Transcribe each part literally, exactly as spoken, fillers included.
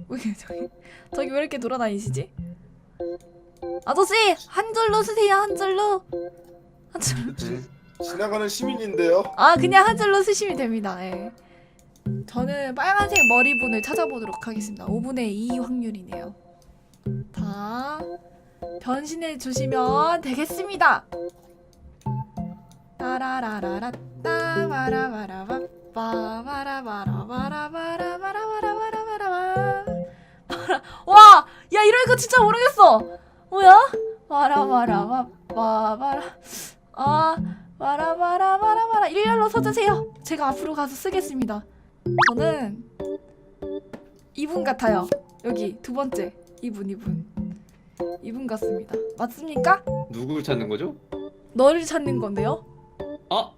왜 저기 저기 왜 이렇게 돌아다니시지? 아저씨 한 줄로 쓰세요. 한 줄로. 한 줄로. 지, 지나가는 시민인데요. 아 그냥 한 줄로 쓰시면 됩니다. 예. 저는 빨간색 머리분을 찾아보도록 하겠습니다. 오분의 이 확률이네요. 다 변신해 주시면 되겠습니다. 따라라라라 따바라바라바 빠바라바라바라바라바라바라바라바라. 와! 야 이러니까 진짜 모르겠어. 뭐야? 바라바라바 바바라 아 바라바라바라바라 일렬로 서주세요. 제가 앞으로 가서 쓰겠습니다. 저는 이분 같아요. 여기 두 번째 이분 이분 이분 같습니다. 맞습니까? 누구를 찾는 거죠? 너를 찾는 건데요? 아,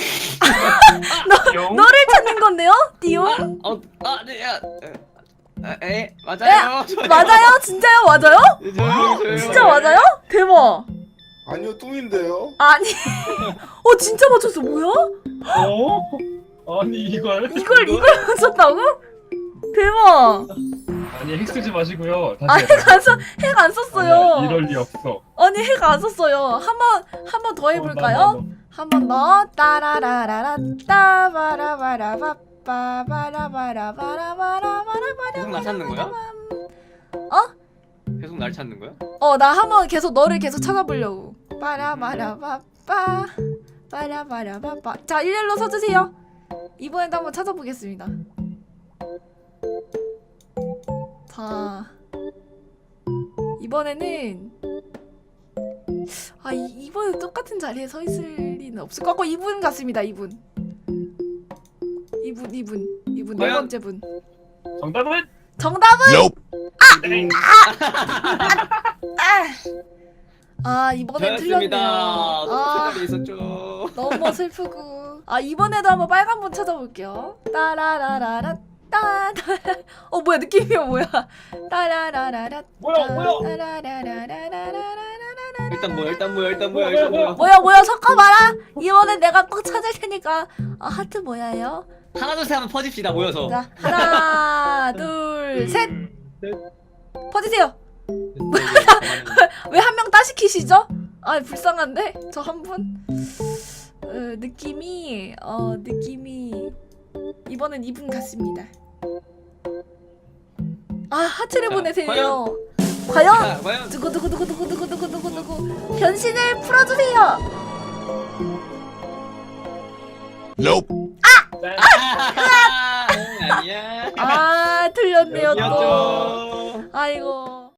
너, 너를 찾는 건데요? 띠용? 어, 아, 네, 야, 에, 에, 맞아요. 저요. 맞아요? 진짜요? 맞아요? 네, 저요, 저요. 진짜 맞아요? 대박. 아니요, 뚱인데요. 아니 어 진짜 맞췄어. 뭐야? 어? 아니 이걸? 이걸 이걸 맞췄다고? 대박. 아니 핵 쓰지 마시고요. 아 다시 핵 안 써, 핵 안 썼어요. 아니야, 이럴 리 없어. 아니 핵 안 썼어요. 한번 한 번 더 해볼까요? 한 번 더. 따라라라라 따바라바라바 빠바라바라바라바라바라바라. 계속 날 찾는 거야? 어? 계속 날 찾는 거야? 어 나 한번 계속 너를 계속 찾아보려고. 빠라바라바빠 빠라바라바빠. 자 일렬로 서주세요. 이번에도 한번 찾아보겠습니다. 자 이번에는 아 이, 이번에 똑같은 자리에 서 있을 리는 없을 것 같고 이분 같습니다. 이분 이분 이분 이분 네 과연? 번째 분. 정답은? 정답은 네. 아 이번엔 저였습니다. 틀렸네요. 아 색깔이 있었죠. 너무 슬프고. 아 이번에도 한번 빨간 분 찾아볼게요. 따라라라라 따. 어 뭐야 느낌이 뭐야? 따라라라라. 뭐야, 뭐야? 따라라라라라라라라라. 일단 뭐야, 일단 뭐야, 일단 뭐야, 일단 뭐야. 뭐야 뭐야 섞어봐라. 이번엔 내가 꼭 찾을 테니까. 아 하트 뭐야요? 하나 둘 셋 한번 퍼집시다 모여서. 자 하나 둘 셋. 넷. 퍼지세요. 왜 한 명 따시키시죠? 아 불쌍한데 저 한 분. 어, 느낌이 어 느낌이 이번엔 이분 같습니다. 아 하트를 자, 보내세요. 과연? 자, 과연 누구 누구 누구 누구 누구 누구 누구 누구 변신을 풀어주세요. 아니야. 아 틀렸네요 또. 여기였죠. 아이고.